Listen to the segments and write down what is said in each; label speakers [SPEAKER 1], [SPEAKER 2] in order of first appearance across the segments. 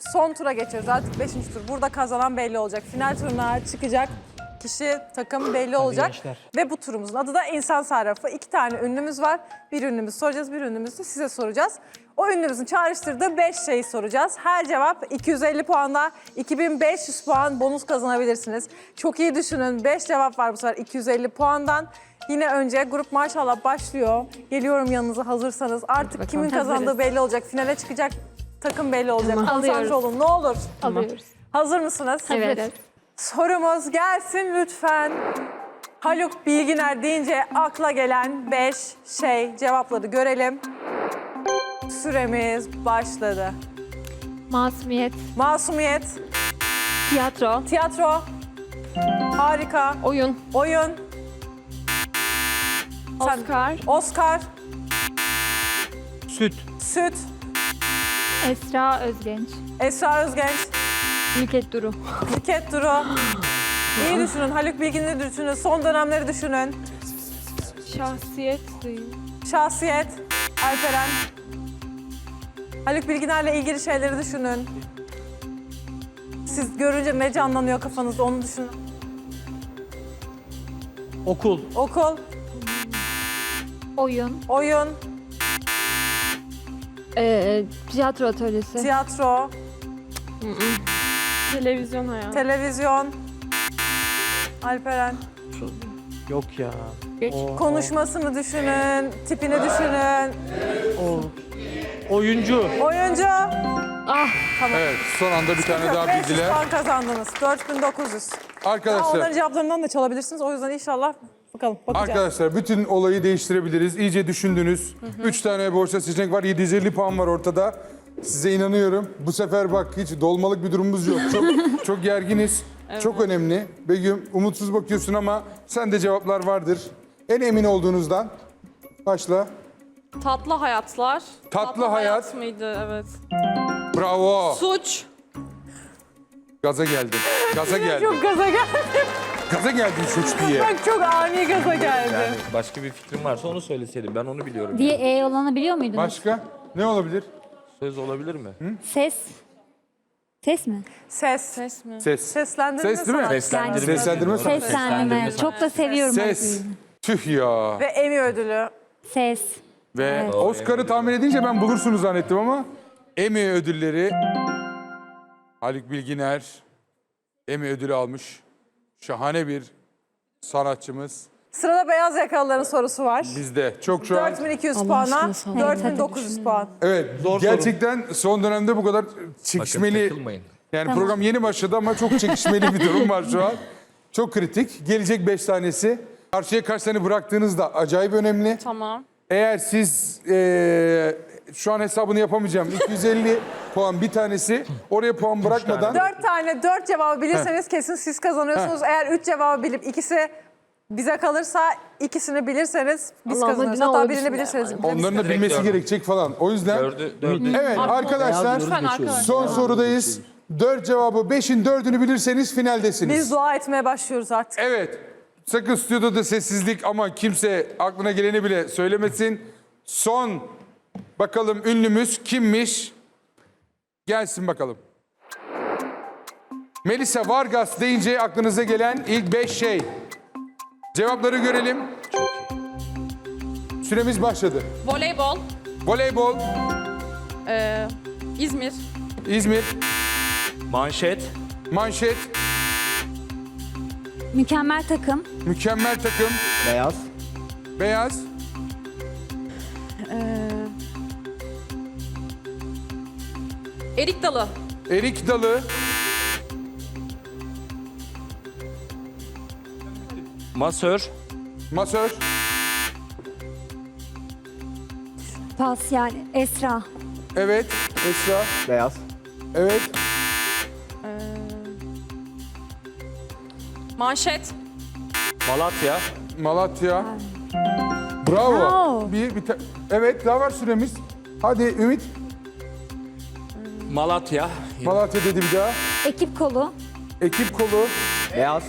[SPEAKER 1] son tura geçiyoruz. Artık 5. tur. Burada kazanan belli olacak. Final turuna çıkacak kişi, takım belli olacak. Ve bu turumuzun adı da insan sarrafı. 2 tane ünlümüz var. Bir ünlümüzü soracağız, bir ünlümüzü size soracağız. O ünlümüzün çağrıştırdığı 5 şeyi soracağız. Her cevap 250 puanda, 2500 puan bonus kazanabilirsiniz. Çok iyi düşünün. 5 cevap var bu sefer 250 puandan. Yine önce grup maşallah başlıyor. Geliyorum yanınıza hazırsanız. Artık kimin kazandığı belli olacak. Finale çıkacak takım belli olacak. Konsantre
[SPEAKER 2] Alıyoruz.
[SPEAKER 1] olun ne olur.
[SPEAKER 2] Alıyoruz.
[SPEAKER 1] Hazır mısınız?
[SPEAKER 2] Evet.
[SPEAKER 1] Sorumuz gelsin lütfen. Haluk Bilginer deyince akla gelen 5 şey, cevapları görelim. Süremiz başladı.
[SPEAKER 2] Masumiyet,
[SPEAKER 1] Masumiyet,
[SPEAKER 2] tiyatro,
[SPEAKER 1] tiyatro, harika,
[SPEAKER 2] oyun,
[SPEAKER 1] oyun, Sen-
[SPEAKER 2] Oscar,
[SPEAKER 1] Oscar,
[SPEAKER 3] Süt.
[SPEAKER 1] süt,
[SPEAKER 2] Esra Özgenç,
[SPEAKER 1] Esra Özgenç,
[SPEAKER 2] Nükhet Duru,
[SPEAKER 1] Nükhet Duru. İyi düşünün, Haluk Bilginer'i düşünün, son dönemleri düşünün.
[SPEAKER 2] şahsiyet,
[SPEAKER 1] Şahsiyet, Alperen. Haluk Bilginer'le ilgili şeyleri düşünün. Siz görünce ne canlanıyor kafanızda onu düşünün.
[SPEAKER 3] Okul.
[SPEAKER 1] Okul,
[SPEAKER 2] oyun,
[SPEAKER 1] oyun,
[SPEAKER 2] tiyatro atölyesi,
[SPEAKER 1] tiyatro,
[SPEAKER 2] televizyon hayatı,
[SPEAKER 1] televizyon. Alperen.
[SPEAKER 3] Yok ya.
[SPEAKER 1] Konuşmasını düşünün, tipini düşünün.
[SPEAKER 3] Oyuncu.
[SPEAKER 1] Oyuncu.
[SPEAKER 4] Evet, son anda bir tane daha
[SPEAKER 1] 500
[SPEAKER 4] bildiler.
[SPEAKER 1] puan kazandınız. 4900. Daha onların
[SPEAKER 4] Arkadaşlar,
[SPEAKER 1] cevaplarından da çalabilirsiniz. O yüzden inşallah bakalım bakacağız.
[SPEAKER 4] arkadaşlar bütün olayı değiştirebiliriz. İyice düşündünüz. 3 tane borsa seçenek var, 750 puan var ortada. Size inanıyorum. Bu sefer bak hiç dolmalık bir durumumuz yok. Çok gerginiz. Çok önemli. Begüm, umutsuz bakıyorsun ama sende cevaplar vardır. En emin olduğunuzdan başla.
[SPEAKER 5] Tatlı hayatlar.
[SPEAKER 4] Tatlı hayat.
[SPEAKER 5] Mıydı? Evet.
[SPEAKER 4] Bravo.
[SPEAKER 5] Suç.
[SPEAKER 4] Gaza geldim. Gaza geldim.
[SPEAKER 1] Çok gaza geldi.
[SPEAKER 4] Gaza geldim suç diye.
[SPEAKER 1] Bak çok ani gaza geldi.
[SPEAKER 6] Yani başka bir fikrim varsa onu söyleseydim. Ben onu biliyorum.
[SPEAKER 7] Diye olanı biliyor muydunuz?
[SPEAKER 4] Başka? Ne olabilir?
[SPEAKER 6] Söz olabilir mi?
[SPEAKER 7] Ses. Ses mi?
[SPEAKER 1] Ses.
[SPEAKER 5] Ses mi?
[SPEAKER 4] Ses.
[SPEAKER 1] Seslendirme
[SPEAKER 4] Ses değil mi?
[SPEAKER 1] sanatçısı.
[SPEAKER 6] Seslendirme.
[SPEAKER 4] Seslendirme sanatçısı.
[SPEAKER 7] Seslendirme. Çok da seviyorum.
[SPEAKER 4] Ses. Tüh ya.
[SPEAKER 1] Ve Emmy ödülü.
[SPEAKER 7] Ses.
[SPEAKER 4] Ve Oscar'ı tahmin edince ben bulursunuz zannettim ama Emmy ödülleri Haluk Bilginer Emmy ödülü almış. Şahane bir sanatçımız.
[SPEAKER 1] Sırada beyaz yakalıların sorusu var.
[SPEAKER 4] Bizde çok şu an.
[SPEAKER 1] 4200 puana, 4900 puan.
[SPEAKER 4] Evet, gerçekten son dönemde bu kadar çekişmeli.
[SPEAKER 6] Takılmayın.
[SPEAKER 4] Yani program yeni başladı ama çok çekişmeli bir durum var şu an. Çok kritik. Gelecek 5 tanesi. Karşıya kaç tane bıraktığınız da acayip önemli.
[SPEAKER 5] Tamam.
[SPEAKER 4] Eğer siz şu an hesabını yapamayacağım. 250 puan bir tanesi. Oraya puan bırakmadan
[SPEAKER 1] 4 cevabı bilirseniz kesin siz kazanıyorsunuz. Eğer 3 cevabı bilip ikisi bize kalırsa ikisini bilirseniz biz
[SPEAKER 2] Allah'ım,
[SPEAKER 1] kazanırız.
[SPEAKER 2] hadi ne
[SPEAKER 1] Hatta
[SPEAKER 2] olur
[SPEAKER 1] birini
[SPEAKER 2] bismillah.
[SPEAKER 1] bilirseniz.
[SPEAKER 4] onların da bilmesi gerekecek falan. O yüzden
[SPEAKER 6] Dördü.
[SPEAKER 4] evet arkadaşlar
[SPEAKER 5] Lütfen arkadaşlar.
[SPEAKER 4] son sorudayız. 4 cevabı 5'in 4'ünü bilirseniz finaldesiniz.
[SPEAKER 1] Biz dua etmeye başlıyoruz artık.
[SPEAKER 4] Evet. Sakın stüdyoda sessizlik ama kimse aklına geleni bile söylemesin. Son bakalım ünlümüz kimmiş? Gelsin bakalım. Melisa Vargas deyince aklınıza gelen ilk 5 şey. Cevapları görelim. Süremiz başladı.
[SPEAKER 5] Voleybol.
[SPEAKER 4] Voleybol,
[SPEAKER 5] İzmir.
[SPEAKER 4] İzmir,
[SPEAKER 6] Manşet.
[SPEAKER 4] manşet,
[SPEAKER 7] Mükemmel takım.
[SPEAKER 4] mükemmel takım,
[SPEAKER 3] Beyaz.
[SPEAKER 4] beyaz,
[SPEAKER 5] Erik Dalı.
[SPEAKER 4] erik dalı,
[SPEAKER 6] Masör.
[SPEAKER 4] masör,
[SPEAKER 7] Pas yani. Esra.
[SPEAKER 4] evet, Esra,
[SPEAKER 3] Beyaz.
[SPEAKER 4] evet,
[SPEAKER 5] Manşet.
[SPEAKER 6] Malatya.
[SPEAKER 4] Malatya. Bravo.
[SPEAKER 7] Bravo.
[SPEAKER 4] Evet, daha var süremiz. Hadi Ümit.
[SPEAKER 6] Malatya.
[SPEAKER 4] Malatya dedi bir daha.
[SPEAKER 7] Ekip kolu.
[SPEAKER 4] Ekip kolu.
[SPEAKER 3] Beyaz.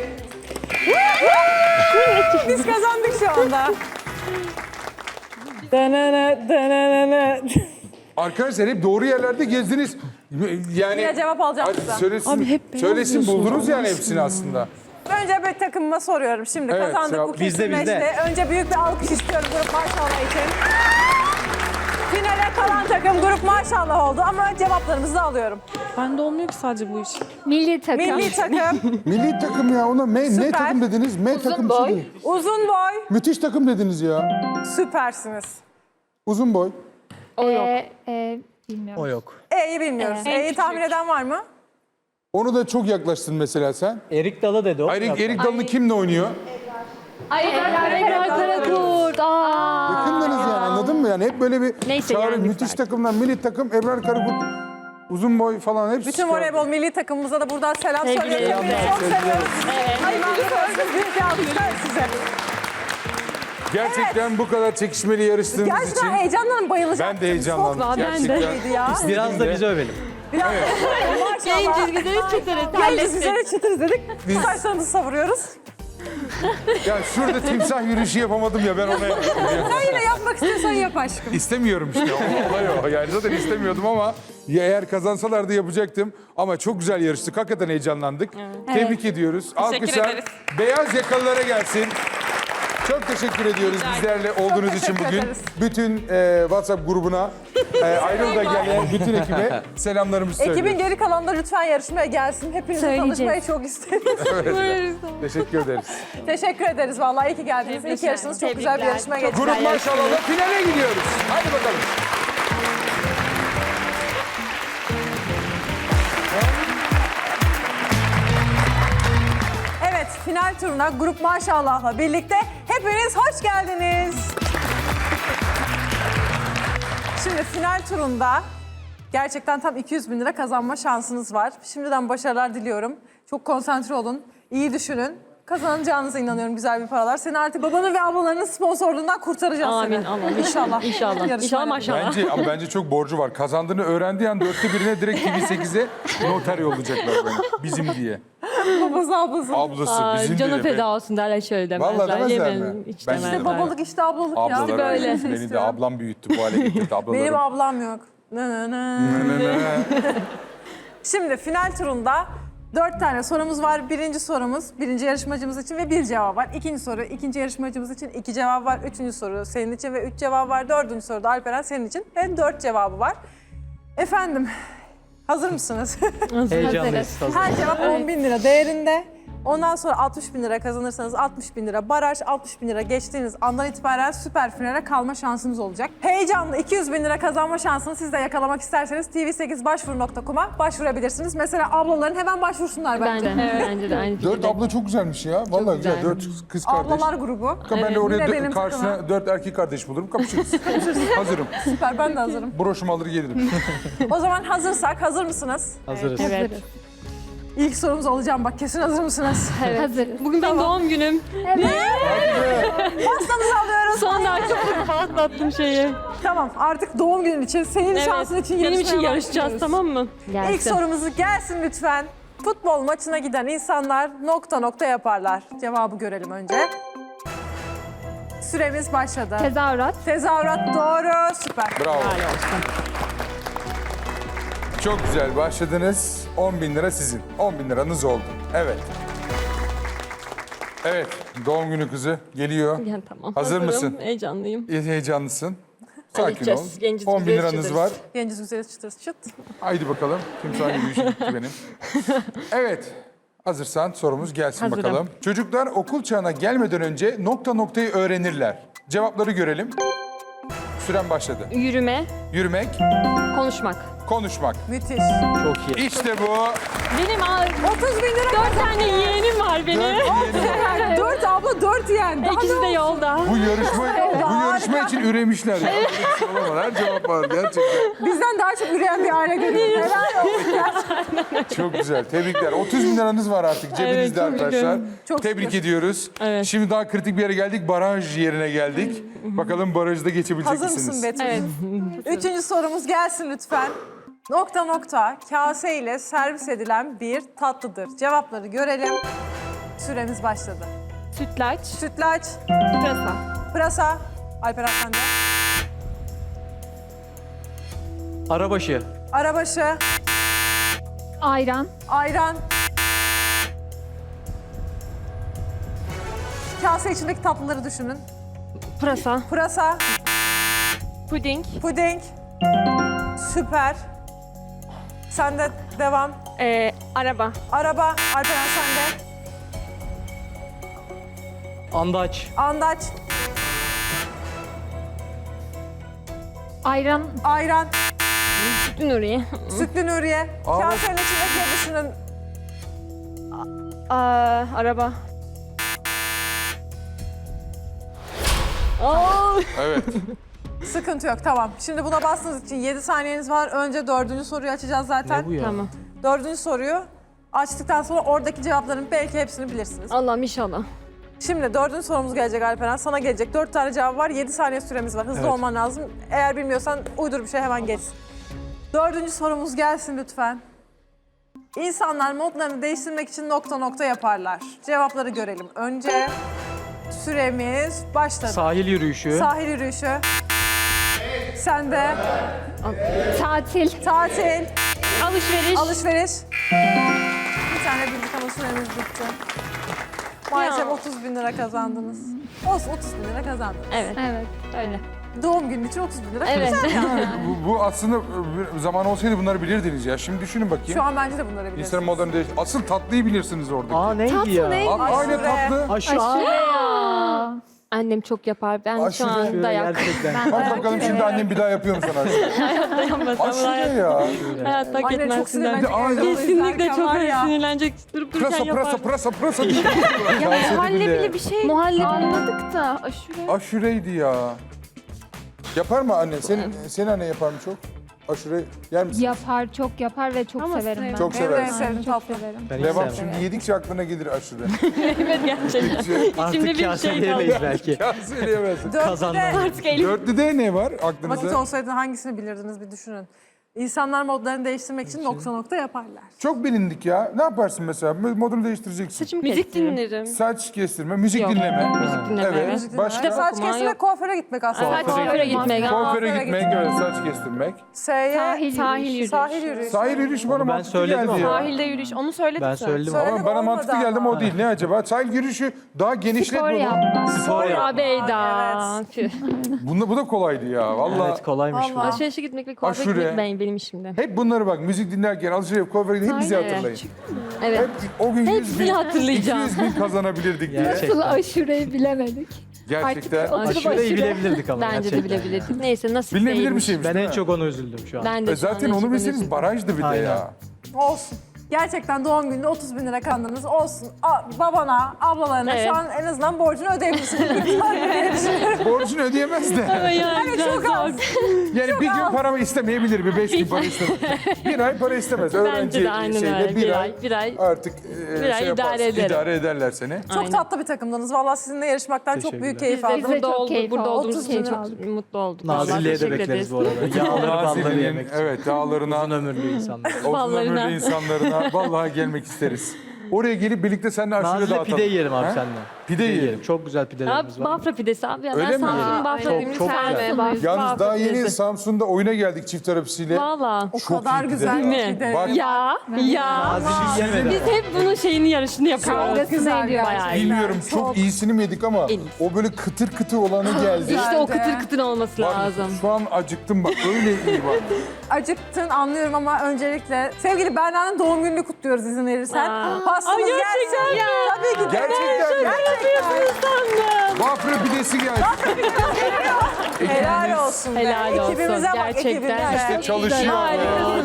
[SPEAKER 1] Biz kazandık şu anda. Danana, danana.
[SPEAKER 4] Arkadaşlar hep doğru yerlerde gezdiniz. Yani
[SPEAKER 1] Yine cevap alacağım
[SPEAKER 4] Hadi
[SPEAKER 1] sizden.
[SPEAKER 4] söylesin,
[SPEAKER 2] Abi hep beyaz
[SPEAKER 4] söylesin
[SPEAKER 2] diyorsun,
[SPEAKER 4] buldunuz yani
[SPEAKER 2] Allah
[SPEAKER 4] hepsini aslında.
[SPEAKER 1] Önce bir takımıma soruyorum. Şimdi
[SPEAKER 4] Evet,
[SPEAKER 1] kazandık,
[SPEAKER 4] cevap
[SPEAKER 1] bu
[SPEAKER 3] bizde,
[SPEAKER 1] kesinleşti. Önce büyük bir alkış istiyorum grup maşallah için. Finale kalan takım grup maşallah oldu ama cevaplarımızı da alıyorum.
[SPEAKER 2] Bende olmuyor ki sadece bu iş.
[SPEAKER 7] Milli takım.
[SPEAKER 1] Milli takım,
[SPEAKER 4] Milli takım ya ona ne
[SPEAKER 1] Süper.
[SPEAKER 4] takım dediniz? Takım bir şey değil.
[SPEAKER 1] uzun boy,
[SPEAKER 4] Müthiş takım dediniz ya.
[SPEAKER 1] süpersiniz.
[SPEAKER 4] Uzun boy.
[SPEAKER 7] Bilmiyorum.
[SPEAKER 3] O yok.
[SPEAKER 1] E'yi bilmiyoruz. E'yi tahmin eden var mı?
[SPEAKER 4] Onu da çok yaklaştın mesela sen.
[SPEAKER 3] Erik Dalı dedi o.
[SPEAKER 4] Erik Dalı'nı kimle oynuyor?
[SPEAKER 2] Ebrar Karakurt.
[SPEAKER 4] Yakındınız yani anladın mı? Yani hep böyle bir
[SPEAKER 2] Neyse,
[SPEAKER 4] çağrı,
[SPEAKER 2] yendik
[SPEAKER 4] müthiş
[SPEAKER 2] zaten.
[SPEAKER 4] takımdan milli takım Ebrar Karakurt, uzun boy falan hepsi.
[SPEAKER 1] Bütün voleybol milli takımımıza da buradan selam
[SPEAKER 2] Sevgili
[SPEAKER 1] söylüyorum. Hepinizi çok seviyoruz. Ay ben büyük bir alkışlar size.
[SPEAKER 4] Gerçekten bu kadar çekişmeli yarıştığınız için
[SPEAKER 1] Gerçekten heyecandan bayılacağım.
[SPEAKER 4] ben de heyecanlandım.
[SPEAKER 2] Çok, ben de.
[SPEAKER 4] Gerçekten.
[SPEAKER 1] Ya.
[SPEAKER 3] Biraz da bizi övelim.
[SPEAKER 1] Biraz maşallah.
[SPEAKER 2] Genciz güzeliz çıtırız.
[SPEAKER 1] Genciz güzel çıtırız dedik. Saçlarımızı savuruyoruz.
[SPEAKER 4] Ya şurada timsah yürüyüşü yapamadım ya ben ona yaptım ya.
[SPEAKER 1] Sen yine yapmak istiyorsan yap aşkım.
[SPEAKER 4] İstemiyorum işte o olay o. Yani zaten istemiyordum ama ya eğer kazansalardı yapacaktım. Ama çok güzel yarıştık. Hakikaten heyecanlandık. Tebrik ediyoruz. Alkışlar
[SPEAKER 5] ederiz.
[SPEAKER 4] beyaz yakalılara gelsin. Çok teşekkür ediyoruz bizlerle olduğunuz için
[SPEAKER 1] teşekkür
[SPEAKER 4] bugün.
[SPEAKER 1] ederiz.
[SPEAKER 4] Bütün WhatsApp grubuna, Ayrıl'da gelen bütün ekibe selamlarımızı söylüyoruz.
[SPEAKER 1] Ekibin geri kalanı da lütfen yarışmaya gelsin. Hepinizle
[SPEAKER 7] Söyleyeceğiz.
[SPEAKER 1] tanışmayı çok isteriz.
[SPEAKER 4] Teşekkür ederiz.
[SPEAKER 1] Teşekkür ederiz vallahi. İyi ki geldiniz. İyi ki yarıştınız. Çok güzel bir yarışma geçti.
[SPEAKER 4] Grup maşallah'la finale gidiyoruz. Hadi bakalım.
[SPEAKER 1] Evet, final turuna grup maşallah'la birlikte hepiniz hoş geldiniz. Şimdi final turunda gerçekten tam 200 bin lira kazanma şansınız var. Şimdiden başarılar diliyorum. Çok konsantre olun, iyi düşünün. Kazanacağınıza inanıyorum güzel bir paralar. Seni artık babanın ve ablalarının sponsorluğundan kurtaracağız
[SPEAKER 2] Amin,
[SPEAKER 1] seni.
[SPEAKER 2] Allah'ım.
[SPEAKER 1] İnşallah.
[SPEAKER 2] İnşallah.
[SPEAKER 1] Yarışmayla
[SPEAKER 2] İnşallah maşallah.
[SPEAKER 4] Bence çok borcu var. Kazandığını öğrendiği an 1/4'ine direkt TV8'e noter yollayacaklar bana. Bizim diye.
[SPEAKER 1] Babası ablası.
[SPEAKER 4] Ablası
[SPEAKER 2] Aa,
[SPEAKER 4] bizim
[SPEAKER 2] canı
[SPEAKER 4] diye.
[SPEAKER 2] feda olsun derler şöyle demezler.
[SPEAKER 4] Vallahi demezler
[SPEAKER 2] Yemin,
[SPEAKER 4] mi?
[SPEAKER 2] hiç
[SPEAKER 4] Ben
[SPEAKER 2] demezler.
[SPEAKER 1] İşte babalık işte ablalık ya.
[SPEAKER 4] Ablalar
[SPEAKER 2] böyle.
[SPEAKER 4] öyle. Beni de ablam büyüttü bu hale getirdi ablalarım.
[SPEAKER 1] Benim ablam yok. Na, na, na. Şimdi final turunda 4 tane sorumuz var. Birinci sorumuz birinci yarışmacımız için ve 1 cevap var. İkinci soru ikinci yarışmacımız için 2 cevap var. Üçüncü soru senin için ve 3 cevap var. Dördüncü soruda Alperen senin için ve 4 cevabı var. Efendim hazır mısınız?
[SPEAKER 3] Heyecanlıyız. Hazır.
[SPEAKER 1] Her cevap 10 bin lira değerinde. Ondan sonra 60 bin lira kazanırsanız 60 bin lira baraj, 60 bin lira geçtiğiniz andan itibaren süper finale kalma şansınız olacak. Heyecanlı 200 bin lira kazanma şansını siz de yakalamak isterseniz tv8başvuru.com'a başvurabilirsiniz. Mesela ablaların hemen başvursunlar bence.
[SPEAKER 2] Bence de aynı
[SPEAKER 4] 4
[SPEAKER 2] fikirde.
[SPEAKER 4] abla çok güzelmiş ya. Vallahi güzel.
[SPEAKER 2] güzel.
[SPEAKER 4] 4 kız kardeş.
[SPEAKER 1] Ablalar grubu.
[SPEAKER 4] Ben de oraya
[SPEAKER 1] Yine benim
[SPEAKER 4] karşısına
[SPEAKER 1] takıma.
[SPEAKER 4] 4 erkek kardeş bulurum. Kapışırız. Hazırım.
[SPEAKER 1] Süper ben de hazırım.
[SPEAKER 4] Broşumu alır gelirim.
[SPEAKER 1] O zaman hazırsak hazır mısınız?
[SPEAKER 3] Hazırız.
[SPEAKER 2] Evet.
[SPEAKER 1] İlk sorumuz olacağım bak kesin hazır mısınız?
[SPEAKER 7] Hazırız.
[SPEAKER 2] Bugün benim doğum günüm.
[SPEAKER 1] Pastanızı alıyoruz.
[SPEAKER 2] Son dakika patlattım şeyi.
[SPEAKER 1] Tamam artık doğum günün için senin şansın için
[SPEAKER 2] Benim için
[SPEAKER 1] yarışmaya
[SPEAKER 2] yarışacağız
[SPEAKER 1] başlıyoruz.
[SPEAKER 2] tamam mı?
[SPEAKER 1] İlk sorumuzu gelsin lütfen. Futbol maçına giden insanlar nokta nokta yaparlar. Cevabı görelim önce. Süremiz başladı.
[SPEAKER 7] Tezahürat.
[SPEAKER 1] Tezahürat doğru. Süper.
[SPEAKER 4] Bravo. Çok güzel başladınız. 10 bin lira sizin. 10 bin liranız oldu. Evet. Evet. Doğum günü kızı geliyor.
[SPEAKER 2] Yani tamam.
[SPEAKER 4] Hazır
[SPEAKER 2] hazırım,
[SPEAKER 4] mısın?
[SPEAKER 2] Heyecanlıyım.
[SPEAKER 4] Heyecanlısın. Sakin ol.
[SPEAKER 2] Halledeceğiz. Genciz
[SPEAKER 4] 10 bin
[SPEAKER 2] güzeliz
[SPEAKER 4] liranız
[SPEAKER 2] çıtırız.
[SPEAKER 4] var.
[SPEAKER 1] Genciz güzeliz çıtırız çıt.
[SPEAKER 4] Haydi bakalım. Timsah yürüyüşü bitti benim. Evet. Hazırsan sorumuz gelsin
[SPEAKER 2] Hazırım.
[SPEAKER 4] bakalım. Çocuklar okul çağına gelmeden önce nokta noktayı öğrenirler. Cevapları görelim. Süren başladı.
[SPEAKER 2] Yürüme,
[SPEAKER 4] Yürümek,
[SPEAKER 2] konuşmak.
[SPEAKER 4] konuşmak.
[SPEAKER 1] Müthiş.
[SPEAKER 3] Çok iyi.
[SPEAKER 4] İşte bu.
[SPEAKER 2] Benim
[SPEAKER 1] 30 bin lira
[SPEAKER 2] 4 tane yeğenim var benim.
[SPEAKER 1] 4 abla 4 yeğen. Daha
[SPEAKER 2] İkisi de
[SPEAKER 1] ne olsun?
[SPEAKER 2] yolda.
[SPEAKER 4] Bu yarışma için üremişler. Ya. Böyle bir şey olamaz. Her cevap var gerçekten.
[SPEAKER 1] Bizden daha çok üreyen bir aile görüyoruz. Helal olsun.
[SPEAKER 4] Çok güzel. Tebrikler. 30 bin liranız var artık cebinizde
[SPEAKER 2] çok
[SPEAKER 4] arkadaşlar.
[SPEAKER 2] üzgünüm.
[SPEAKER 1] Çok
[SPEAKER 4] Tebrik
[SPEAKER 1] şükür.
[SPEAKER 4] ediyoruz.
[SPEAKER 2] Evet.
[SPEAKER 4] Şimdi daha kritik bir yere geldik. Baraj yerine geldik. Bakalım barajda geçebilecek
[SPEAKER 1] Hazır
[SPEAKER 4] misiniz?
[SPEAKER 1] mısın Betül?
[SPEAKER 2] Evet.
[SPEAKER 1] Üçüncü sorumuz gelsin lütfen. Nokta nokta kase ile servis edilen bir tatlıdır. Cevapları görelim. Süremiz başladı.
[SPEAKER 2] Sütlaç,
[SPEAKER 1] Sütlaç,
[SPEAKER 2] pırasa.
[SPEAKER 1] pırasa, Alperen sende.
[SPEAKER 3] Arabaşı.
[SPEAKER 1] Arabaşı.
[SPEAKER 7] Ayran.
[SPEAKER 1] Ayran. Kase içindeki tatlıları düşünün.
[SPEAKER 2] Pırasa.
[SPEAKER 1] Pırasa,
[SPEAKER 2] Puding.
[SPEAKER 1] puding. Süper. Sen de devam.
[SPEAKER 2] Araba.
[SPEAKER 1] Araba, Alperen sen de.
[SPEAKER 3] Andaç.
[SPEAKER 1] Andaç,
[SPEAKER 7] Ayran.
[SPEAKER 1] ayran,
[SPEAKER 2] Sütlü Nuriye.
[SPEAKER 1] sütlü Nuriye. Kasenin içindekileri düşünün.
[SPEAKER 2] Araba.
[SPEAKER 4] Evet.
[SPEAKER 1] Sıkıntı yok, tamam. Şimdi buna bastığınız için 7 saniyeniz var. Önce 4. soruyu açacağız zaten.
[SPEAKER 3] Ne bu ya?
[SPEAKER 2] Tamam.
[SPEAKER 1] 4. soruyu açtıktan sonra oradaki cevapların belki hepsini bilirsiniz.
[SPEAKER 2] Allah'ım inşallah.
[SPEAKER 1] Şimdi 4. sorumuz gelecek Alperen. Sana gelecek. 4 tane cevap var. 7 saniye süremiz var. Hızlı
[SPEAKER 3] Evet.
[SPEAKER 1] olman lazım. Eğer bilmiyorsan uydur bir şey hemen geç. 4. sorumuz gelsin lütfen. İnsanlar modlarını değiştirmek için nokta nokta yaparlar. Cevapları görelim. Önce süremiz başladı.
[SPEAKER 3] Sahil yürüyüşü.
[SPEAKER 1] Sahil yürüyüşü. Sen de
[SPEAKER 7] Tatil.
[SPEAKER 1] tatil,
[SPEAKER 2] Alışveriş.
[SPEAKER 1] alışveriş. Bir tane bildik ama süremiz bitti. Maalesef
[SPEAKER 2] Ya.
[SPEAKER 1] 30 bin lira kazandınız. Olsun 30 bin lira kazandınız.
[SPEAKER 2] Evet.
[SPEAKER 7] Evet.
[SPEAKER 2] Öyle.
[SPEAKER 1] Doğum günü için 30 bin lira
[SPEAKER 2] Evet.
[SPEAKER 1] kazandınız.
[SPEAKER 4] Bu aslında zaman olsaydı bunları bilirdiniz ya. Şimdi düşünün bakayım.
[SPEAKER 1] Şu an bence de bunları
[SPEAKER 4] İnsanın
[SPEAKER 1] bilirsiniz.
[SPEAKER 4] modern değiş. Asıl tatlıyı bilirsiniz oradaki.
[SPEAKER 3] Aa neydi ya?
[SPEAKER 4] Aynı
[SPEAKER 1] Aşure.
[SPEAKER 4] tatlı.
[SPEAKER 7] Aa.
[SPEAKER 2] Annem çok yapar. Ben şu
[SPEAKER 4] Aşure.
[SPEAKER 2] an dayak.
[SPEAKER 3] Gerçekten.
[SPEAKER 4] Bak bakalım şimdi annem bir daha yapıyor mu sana aşure? Aşure ya.
[SPEAKER 2] Hayatta hak
[SPEAKER 1] Anne çok
[SPEAKER 2] etmezsin.
[SPEAKER 1] sinirlenecek.
[SPEAKER 4] Aynen.
[SPEAKER 1] evde
[SPEAKER 2] Kesinlikle
[SPEAKER 1] izlerken
[SPEAKER 2] çok
[SPEAKER 1] var ya.
[SPEAKER 2] sinirlenecek. Durup dururken
[SPEAKER 4] Pırasa
[SPEAKER 2] yapar.
[SPEAKER 4] pırasa pırasa pırasa.
[SPEAKER 5] Muhallebili bir şey
[SPEAKER 2] Muhallebi.
[SPEAKER 5] anladık da aşure.
[SPEAKER 4] Aşureydi ya. Yapar mı anne? Senin annen yapar mı çok? Aşure yer misin?
[SPEAKER 7] Yapar, çok yapar ve çok
[SPEAKER 5] Ama
[SPEAKER 7] severim ben.
[SPEAKER 4] Çok
[SPEAKER 1] Benim de en
[SPEAKER 4] seversin.
[SPEAKER 1] sevdiğim
[SPEAKER 7] Çok
[SPEAKER 1] tatlı.
[SPEAKER 7] severim.
[SPEAKER 3] Ben hiç
[SPEAKER 4] Devam
[SPEAKER 3] sevmem.
[SPEAKER 4] şimdi yedikçe aklına gelir aşure.
[SPEAKER 2] Evet gerçekten. İçimde
[SPEAKER 3] Artık
[SPEAKER 2] bir şey
[SPEAKER 3] kaseleyemeyiz belki.
[SPEAKER 4] Ya söyleyemezsin.
[SPEAKER 3] Kazandım.
[SPEAKER 2] Artık elim.
[SPEAKER 4] Dörtlüde ne var
[SPEAKER 1] Vakit
[SPEAKER 4] aklınızda?
[SPEAKER 1] olsaydı hangisini bilirdiniz bir düşünün. İnsanlar modlarını değiştirmek için nokta nokta yaparlar.
[SPEAKER 4] Çok bilindik ya. Ne yaparsın mesela? Modunu değiştireceksin.
[SPEAKER 2] Saçımı
[SPEAKER 5] Müzik
[SPEAKER 2] kestiririm.
[SPEAKER 5] dinlerim.
[SPEAKER 4] Saç kestirme, müzik
[SPEAKER 2] Yok.
[SPEAKER 4] dinleme.
[SPEAKER 2] Müzik dinleme,
[SPEAKER 4] Evet.
[SPEAKER 2] evet.
[SPEAKER 1] Müzik
[SPEAKER 4] Başka?
[SPEAKER 1] dinlemek. Saç
[SPEAKER 2] Okuma
[SPEAKER 1] kestirmek,
[SPEAKER 2] yok.
[SPEAKER 1] kuaföre gitmek aslında.
[SPEAKER 2] Evet, kuaföre gitmek.
[SPEAKER 4] Kuaföre
[SPEAKER 1] Kuaföre
[SPEAKER 4] gitmek, evet, saç kestirmek.
[SPEAKER 1] S'ye
[SPEAKER 7] Sahil yürüyüşü.
[SPEAKER 1] sahil yürüyüşü.
[SPEAKER 4] Sahil yürüyüşü bana
[SPEAKER 3] Onu ben
[SPEAKER 4] mantıklı
[SPEAKER 3] söyledim
[SPEAKER 4] geldi
[SPEAKER 3] ama.
[SPEAKER 4] ya.
[SPEAKER 5] Sahilde yürüyüş. Onu söyledik
[SPEAKER 3] Ben
[SPEAKER 5] sen.
[SPEAKER 3] söyledim.
[SPEAKER 1] Söyle-
[SPEAKER 4] Ama bana
[SPEAKER 1] Olmadı
[SPEAKER 4] mantıklı geldi ama
[SPEAKER 1] ama.
[SPEAKER 4] o değil. Ne acaba? Sahil yürüyüşü daha genişlet
[SPEAKER 7] Spor
[SPEAKER 4] bunu.
[SPEAKER 7] yapmak.
[SPEAKER 3] Spor yap.
[SPEAKER 2] Abeyda. Tüh.
[SPEAKER 4] Bu da kolaydı ya. Vallahi.
[SPEAKER 3] Evet kolaymış bu.
[SPEAKER 1] Vallahi.
[SPEAKER 2] Alışverişe gitmek ve kuaföre
[SPEAKER 4] Aşure.
[SPEAKER 2] gitmek benim işimde.
[SPEAKER 4] Hep bunları bak, müzik dinlerken, alışveriş, kuaföre gidip hep bizi
[SPEAKER 2] Aynen.
[SPEAKER 4] hatırlayın.
[SPEAKER 2] Evet.
[SPEAKER 4] Hep o gün 100
[SPEAKER 2] Hepsini
[SPEAKER 4] bin,
[SPEAKER 2] hatırlayacağım.
[SPEAKER 4] 200 bin kazanabilirdik diye.
[SPEAKER 3] Gerçekten.
[SPEAKER 7] aşureyi bilemedik.
[SPEAKER 4] Gerçekten.
[SPEAKER 3] Aşureyi bilebilirdik ama
[SPEAKER 2] Bence de
[SPEAKER 3] gerçekten.
[SPEAKER 2] bilebilirdik. Neyse nasip
[SPEAKER 4] Bilinebilir bir
[SPEAKER 2] değilmiş.
[SPEAKER 4] şeymiş
[SPEAKER 3] Ben
[SPEAKER 4] değil
[SPEAKER 3] en
[SPEAKER 4] mi?
[SPEAKER 3] çok ona üzüldüm şu an.
[SPEAKER 2] Ben de şu an
[SPEAKER 4] Zaten
[SPEAKER 2] en
[SPEAKER 4] onu
[SPEAKER 2] çok
[SPEAKER 4] bilseniz
[SPEAKER 2] üzüldüm.
[SPEAKER 4] barajdı bir de
[SPEAKER 3] Aynen.
[SPEAKER 4] ya.
[SPEAKER 1] Olsun. Gerçekten doğum gününde 30 bin lira kazandınız. Olsun. Babana, ablalarına
[SPEAKER 2] Evet.
[SPEAKER 1] şu an en azından borcunu ödeyebilirsiniz.
[SPEAKER 4] Borcunu ödeyemez de.
[SPEAKER 2] Yani
[SPEAKER 1] çok az.
[SPEAKER 4] Yani bir gün paramı istemeyebilir, bir 5 gün para istemez. Bir ay para istemez.
[SPEAKER 2] Bence de aynen öyle. Bir ay.
[SPEAKER 4] Artık
[SPEAKER 2] Bir ay
[SPEAKER 4] yaparsın,
[SPEAKER 2] idare ederim.
[SPEAKER 4] idare ederler seni.
[SPEAKER 1] Çok
[SPEAKER 2] Aynen.
[SPEAKER 1] tatlı bir takımdınız. Vallahi sizinle yarışmaktan çok büyük
[SPEAKER 3] Teşekkürler.
[SPEAKER 1] keyif
[SPEAKER 2] Biz de
[SPEAKER 1] aldım.
[SPEAKER 2] burada,
[SPEAKER 7] çok keyif
[SPEAKER 2] burada
[SPEAKER 7] aldım.
[SPEAKER 2] olduğumuz
[SPEAKER 1] 30
[SPEAKER 2] için
[SPEAKER 1] bin
[SPEAKER 2] çok mutlu olduk. Vallahi
[SPEAKER 3] Nazilli'ye de
[SPEAKER 2] teşekkür
[SPEAKER 3] bekleriz
[SPEAKER 2] ederiz.
[SPEAKER 3] bu arada. Yağları balları
[SPEAKER 4] Nazilli'nin,
[SPEAKER 3] yemek için.
[SPEAKER 4] evet, dağlarına,
[SPEAKER 3] Uzun ömürlü insanlar.
[SPEAKER 4] uzun
[SPEAKER 2] ballarına.
[SPEAKER 4] ömürlü insanlarına vallahi gelmek isteriz. Oraya gelip birlikte seninle aşure
[SPEAKER 3] Nazilli
[SPEAKER 4] dağıtalım.
[SPEAKER 3] pide yiyelim abi
[SPEAKER 4] Ha?
[SPEAKER 3] seninle.
[SPEAKER 4] Pide yiyelim.
[SPEAKER 3] Çok güzel pidelerimiz
[SPEAKER 2] Abi
[SPEAKER 3] var.
[SPEAKER 2] Bafra pidesi abi ya.
[SPEAKER 4] Öyle
[SPEAKER 2] Ben
[SPEAKER 4] mi?
[SPEAKER 2] Samsun'un Bafra
[SPEAKER 3] Çok-
[SPEAKER 2] dediğimi
[SPEAKER 3] çok
[SPEAKER 2] sevmem.
[SPEAKER 3] güzel.
[SPEAKER 2] Bafra
[SPEAKER 4] Yalnız daha yeni
[SPEAKER 2] pidesi.
[SPEAKER 4] Samsun'da oyuna geldik çift terapisiyle.
[SPEAKER 2] Valla.
[SPEAKER 1] O
[SPEAKER 4] Çok
[SPEAKER 1] kadar
[SPEAKER 4] iyi
[SPEAKER 1] güzel
[SPEAKER 4] pide.
[SPEAKER 2] Değil mi?
[SPEAKER 1] bir de.
[SPEAKER 4] Bak,
[SPEAKER 2] Ya.
[SPEAKER 3] Nazilli yemedim.
[SPEAKER 2] Biz hep bunun şeyini yarışını
[SPEAKER 1] Çok
[SPEAKER 2] yapıyoruz.
[SPEAKER 1] güzel
[SPEAKER 2] Bayağı iyi.
[SPEAKER 4] bilmiyorum çok iyisini mi yedik ama
[SPEAKER 2] En iyisi.
[SPEAKER 4] o böyle kıtır kıtır olanı geldi.
[SPEAKER 2] İşte o
[SPEAKER 1] Güzeldi.
[SPEAKER 2] kıtır kıtır olması
[SPEAKER 4] Bak,
[SPEAKER 2] lazım.
[SPEAKER 4] şu an acıktım bak öyle iyi bak.
[SPEAKER 1] Acıktın anlıyorum ama öncelikle sevgili Berna'nın doğum gününü kutluyoruz izin verirsen.
[SPEAKER 2] Aa.
[SPEAKER 1] Pastamız
[SPEAKER 2] Ay, gerçekten
[SPEAKER 1] gelsin.
[SPEAKER 2] mi?
[SPEAKER 1] Tabii ki.
[SPEAKER 4] Gerçekten mi?
[SPEAKER 2] Sandım.
[SPEAKER 4] Bafra pidesi geldi.
[SPEAKER 1] Helal olsun be.
[SPEAKER 2] Helal olsun.
[SPEAKER 1] Ekibimize bak
[SPEAKER 2] Gerçekten.
[SPEAKER 1] ekibimize.
[SPEAKER 4] İşte çalışıyor.
[SPEAKER 2] Harikasın.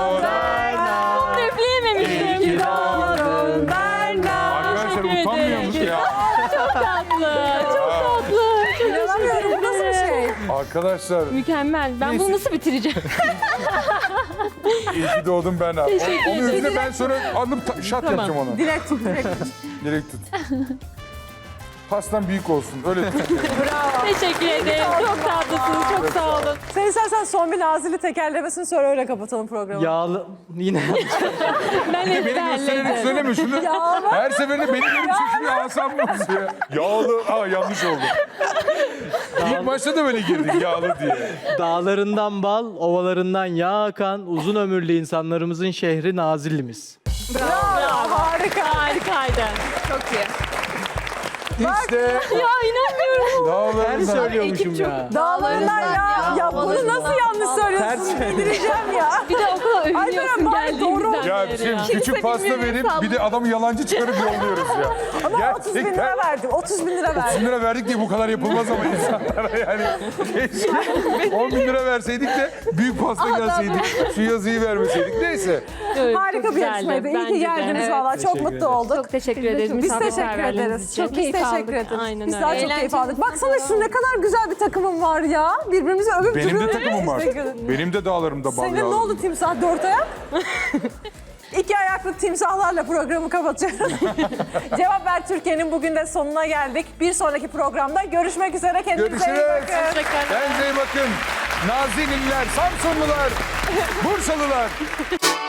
[SPEAKER 2] Üfleyememiştim.
[SPEAKER 1] Doğdun Berna.
[SPEAKER 4] Arkadaşlar
[SPEAKER 2] Teşekkür
[SPEAKER 4] utanmıyor
[SPEAKER 2] ederim.
[SPEAKER 4] musun ya?
[SPEAKER 2] Çok tatlı. Çok tatlı. Çok
[SPEAKER 1] İnanamıyorum bu nasıl bir şey?
[SPEAKER 4] Arkadaşlar
[SPEAKER 2] mükemmel. Ben
[SPEAKER 4] Neyse.
[SPEAKER 2] bunu nasıl bitireceğim?
[SPEAKER 4] iyi ki doğdum ben abi. Onun üstüne ben sonra alıp şat yapacağım onu.
[SPEAKER 1] Direkt tut direkt tut.
[SPEAKER 4] Direkt tut. Pastan büyük olsun. Öyle tut.
[SPEAKER 2] Teşekkür ederim. Çok tatlısınız. Çok sağ olun.
[SPEAKER 1] Sen istersen son bir Nazilli tekerlemesini söyle öyle kapatalım programı.
[SPEAKER 3] Yağlı yine
[SPEAKER 2] Ben
[SPEAKER 4] Beni göstererek
[SPEAKER 2] ezberledim.
[SPEAKER 4] söyleme şunu. Her seferinde benim elim çekiyor asam bozuyor. Yağlı. Aa yanlış oldu. İlk başta da böyle girdik yağlı diye.
[SPEAKER 3] Dağlarından bal, ovalarından yağ akan uzun ömürlü insanlarımızın şehri Nazilli'miz.
[SPEAKER 1] Bravo, harika.
[SPEAKER 2] Harikaydı.
[SPEAKER 5] Çok iyi.
[SPEAKER 4] İşte
[SPEAKER 2] Ya inanmıyorum.
[SPEAKER 3] Ben
[SPEAKER 4] dağlarından.
[SPEAKER 3] söylüyormuşum ya.
[SPEAKER 1] Dağlarından ya bunu nasıl yanlış söylüyorsun? Bildireceğim ya.
[SPEAKER 2] Bir de o kadar
[SPEAKER 1] Alperen
[SPEAKER 2] övünüyorsun
[SPEAKER 1] bari
[SPEAKER 2] geldiğimizden
[SPEAKER 1] doğru.
[SPEAKER 4] Ya
[SPEAKER 2] beri
[SPEAKER 4] şimdi
[SPEAKER 2] ya.
[SPEAKER 4] küçük pasta verip bir de adamı yalancı çıkarıp yolluyoruz ya.
[SPEAKER 1] Ama 30 bin lira verdim. 30 bin lira
[SPEAKER 4] 30
[SPEAKER 1] verdim.
[SPEAKER 4] bin lira verdik diye bu kadar yapılmaz ama insanlara yani. Keşke 10 bin lira verseydik de büyük pasta gelseydik. Şu yazıyı vermeseydik. Neyse.
[SPEAKER 2] Evet,
[SPEAKER 1] Harika
[SPEAKER 2] çok
[SPEAKER 1] bir
[SPEAKER 2] güzeldi.
[SPEAKER 1] yarışmaydı. İyi
[SPEAKER 2] Bence
[SPEAKER 1] ki
[SPEAKER 2] de.
[SPEAKER 1] geldiniz
[SPEAKER 2] Evet.
[SPEAKER 1] valla. Çok
[SPEAKER 3] Teşekkür
[SPEAKER 1] mutlu
[SPEAKER 3] ederiz.
[SPEAKER 1] olduk.
[SPEAKER 2] Çok teşekkür ederiz.
[SPEAKER 1] Biz teşekkür
[SPEAKER 2] misafirperverliğiniz
[SPEAKER 1] ederiz.
[SPEAKER 2] için.
[SPEAKER 1] Çok biz teşekkür ederiz.
[SPEAKER 2] Aynen
[SPEAKER 1] Biz
[SPEAKER 2] öyle.
[SPEAKER 1] daha çok keyif aldık. Baksana şu ne kadar güzel bir takımım var ya. Birbirimizi övüp
[SPEAKER 4] Benim de
[SPEAKER 1] duruyoruz.
[SPEAKER 4] takımım var.
[SPEAKER 1] Teşekkür ederim.
[SPEAKER 4] Benim de dağlarımda bal
[SPEAKER 1] Senin ne
[SPEAKER 4] yağlı.
[SPEAKER 1] oldu timsah? 4 ayak? 2 ayaklı timsahlarla programı kapatıyorum. Cevap Ver Türkiye'nin bugün de sonuna geldik. Bir sonraki programda görüşmek üzere. Kendinize iyi
[SPEAKER 4] Görüşürüz.
[SPEAKER 1] bakın.
[SPEAKER 4] Kendinize iyi bakın. Nazilliler, Samsunlular, Bursalılar.